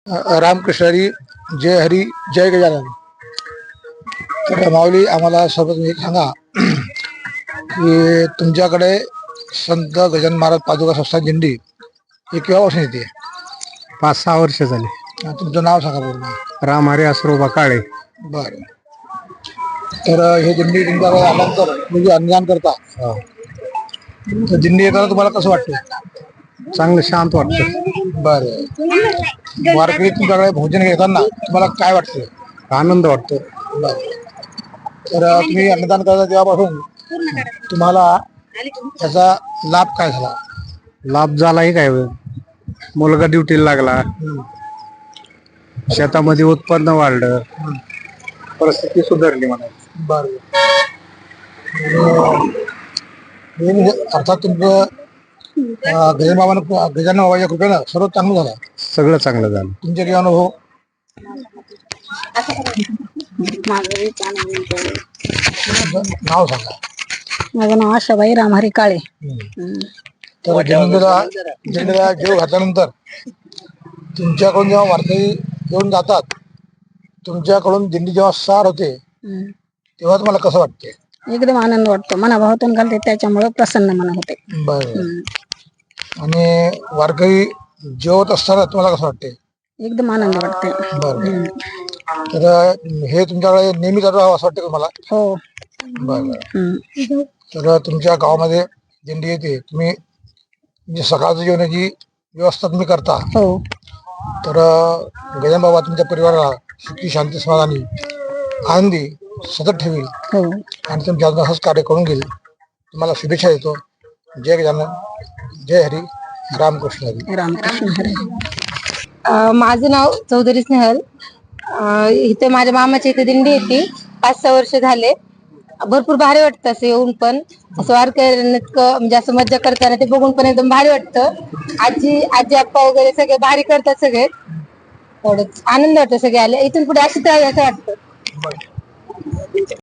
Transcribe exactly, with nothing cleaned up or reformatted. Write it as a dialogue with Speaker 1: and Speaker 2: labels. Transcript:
Speaker 1: अ, रामकृष्ण हरी, जय हरी, जय गजानन. तर माऊली, आम्हाला सर्व तुम्ही सांगा की तुमच्याकडे संत गजानन महाराज पादुका संस्थान दिंडी ही केव्हा वर्ष येते?
Speaker 2: पाच सहा वर्ष झाले.
Speaker 1: अ, तुमचं नाव सांगा पूर्ण.
Speaker 2: राम हरी आसरोबा काळे.
Speaker 1: बरं. तर अ, हे दिंडी तुमच्याकडे आल्यानंतर म्हणजे अन्नदान करता,
Speaker 2: हो.
Speaker 1: तर दिंडी येताना तुम्हाला कसं वाटतं?
Speaker 2: चांगलं शांत वाटतं.
Speaker 1: बरं. वारकरी तुमच्याकडे भोजन घेताना तुम्हाला काय वाटतं?
Speaker 2: आनंद वाटतो.
Speaker 1: बरं. तर अ, तुम्ही अन्नदान करता तेव्हापासून तुम्हाला त्याचा लाभ काय झाला?
Speaker 2: लाभ झालाही काय वेळ मुलगा ड्युटीला लागला, शेतामध्ये उत्पन्न वाढलं, परिस्थिती सुधारली म्हणा.
Speaker 1: बरं. हे म्हणजे अर्थात तुमचं अ, गजानन बाबांना गजानन बाबाच्या कृपेनं सर्व चांगलं झालं.
Speaker 2: सगळं चांगलं झालं.
Speaker 1: तुमचे काही अनुभव? तुमचं नाव सांगा.
Speaker 3: माझं नाव आशाबाई रामहरी काळे.
Speaker 1: तर दिंडीला दिंडीला जीव घातल्यानंतर तुमच्याकडून जेव्हा वारकरी घेऊन जातात, तुमच्याकडून दिंडी जेव्हा सार होते तेव्हा तुम्हाला कसं वाटते?
Speaker 3: एकदम आनंद वाटतो, मनाभावातून घालते त्याच्यामुळे प्रसन्न मन होते.
Speaker 1: बरं. आणि वारकरी जेवत असताना तुम्हाला कसं वाटते?
Speaker 3: एकदम आनंद वाटते.
Speaker 1: बरं. तर हे तुमच्याकडे नेहमी चालू राहावं असं वाटतं तुम्हाला?
Speaker 3: हो.
Speaker 1: बरं. तर तुमच्या गावामध्ये दिंडी येते, तुम्ही म्हणजे सकाळचं जेवणाची व्यवस्था तुम्ही करता,
Speaker 3: हो.
Speaker 1: तर गजानन बाबा तुमच्या परिवाराला सुखी, शांती, समाधानी, आनंदी सतत ठेवील
Speaker 3: हो.
Speaker 1: आणि तुमच्या अजून असंच कार्य करून घेईल. तुम्हाला शुभेच्छा देतो. जय गजानन, जय हरी, रामकृष्ण हरी.
Speaker 3: रामकृष्ण हरी.
Speaker 4: माझं नाव चौधरी स्नेहल. अ, इथे माझ्या मामाची इथे दिंडी येते, पाच सहा वर्ष झाले. भरपूर भारी वाटतं असं येऊन पण, असं वारकऱ्यांना इतकं म्हणजे असं मज्जा करताना ते बघून पण एकदम भारी वाटतं. आजी आजी आप्पा वगैरे सगळे भारी करतात सगळे. एवढंच आनंद वाटतो सगळे आले. इथून पुढे अशी तयारी असं वाटतं.